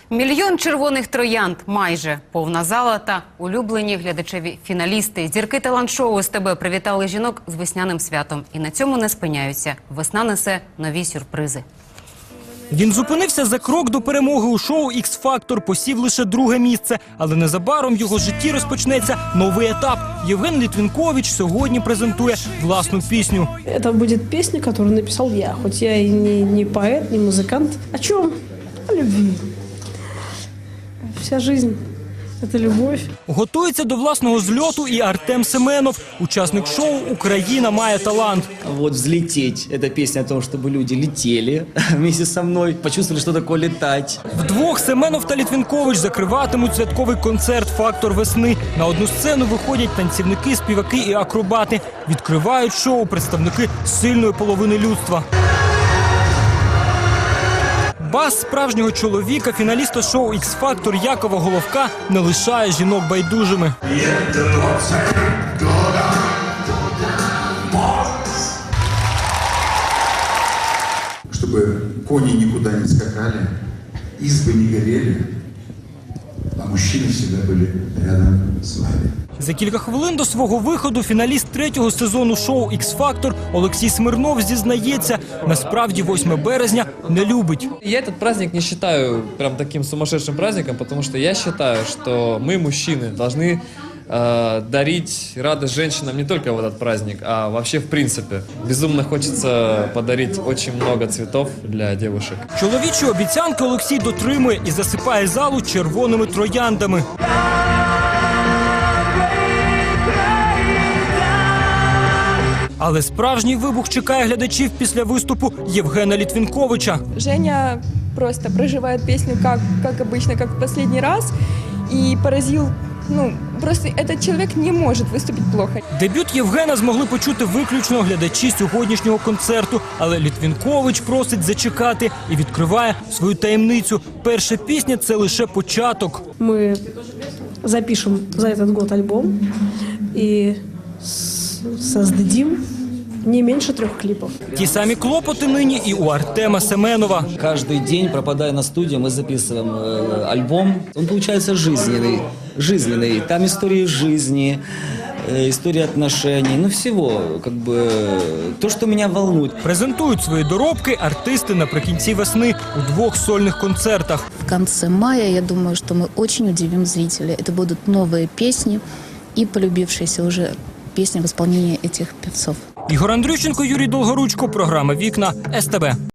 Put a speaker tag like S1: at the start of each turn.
S1: Мільйон червоних троянд, майже повна зала та улюблені глядачеві фіналісти. Зірки талант-шоу СТБ привітали жінок з весняним святом. І на цьому не спиняються. Весна несе нові сюрпризи.
S2: Він зупинився за крок до перемоги у шоу «Ікс-Фактор», посів лише друге місце. Але незабаром в його житті розпочнеться новий етап. Євген Літвінкович сьогодні презентує власну пісню.
S3: Это будет песня, которую написал я. Хоть я и не поэт, не музыкант. О чем? О любви. Вся жизнь – это любовь.
S2: Готується до власного зльоту і Артем Семенов, учасник шоу «Україна має талант».
S4: Вот «Взлететь» – это песня о том, чтобы люди летели вместе со мной, почувствовали, что такое летать.
S2: Вдвох Семенов та Літвінкович закриватимуть святковий концерт «Фактор весни». На одну сцену виходять танцівники, співаки і акробати. Відкривають шоу представники сильної половини людства. Бас справжнього чоловіка, фіналіста шоу «Ікс-Фактор» Якова Головка не лишає жінок байдужими.
S5: Чтобы кони никуда не скакали, избы не горели, а мужчины всегда были рядом с вами.
S2: За кілька хвилин до свого виходу фіналіст третього сезону шоу «Ікс-Фактор» Олексій Смирнов зізнається, насправді 8 березня не любить.
S6: Я этот праздник не считаю прям таким сумасшедшим праздником, потому что я считаю, что мы, мужчины, должны дарить радость женщинам не только в этот праздник, а вообще в принципе. Безумно хочется подарить очень много цветов для девушек.
S2: Чоловічі обіцянки Олексій дотримує і засипає залу червоними трояндами. Але справжній вибух чекає глядачів після виступу Євгена Літвінковича.
S7: Женя просто проживает песню как обычно, как в последний раз. И поразил, просто этот человек не может выступить плохо.
S2: Дебют Євгена змогли почути виключно глядачі сьогоднішнього концерту. Але Літвінкович просить зачекати і відкриває свою таємницю. Перша пісня – це лише початок.
S3: Мы запишем за этот год альбом и создадим не меньше 3 клипов.
S2: Ті самі клопоти нині і у Артема Семенова.
S4: Каждый день, пропадая на студию, мы записываем альбом. Он получается жизненный. Там истории жизни, история отношений, всего, то, что меня волнует.
S2: Презентують свої доробки артисти наприкінці весни у 2 сольних концертах.
S8: В конце мая, я думаю, что мы очень удивим зрителей. Это будут новые песни и полюбившиеся уже песни в исполнении этих певцов.
S2: Ігор Андрющенко, Юрій Долгоручко, програма «Вікна», СТБ.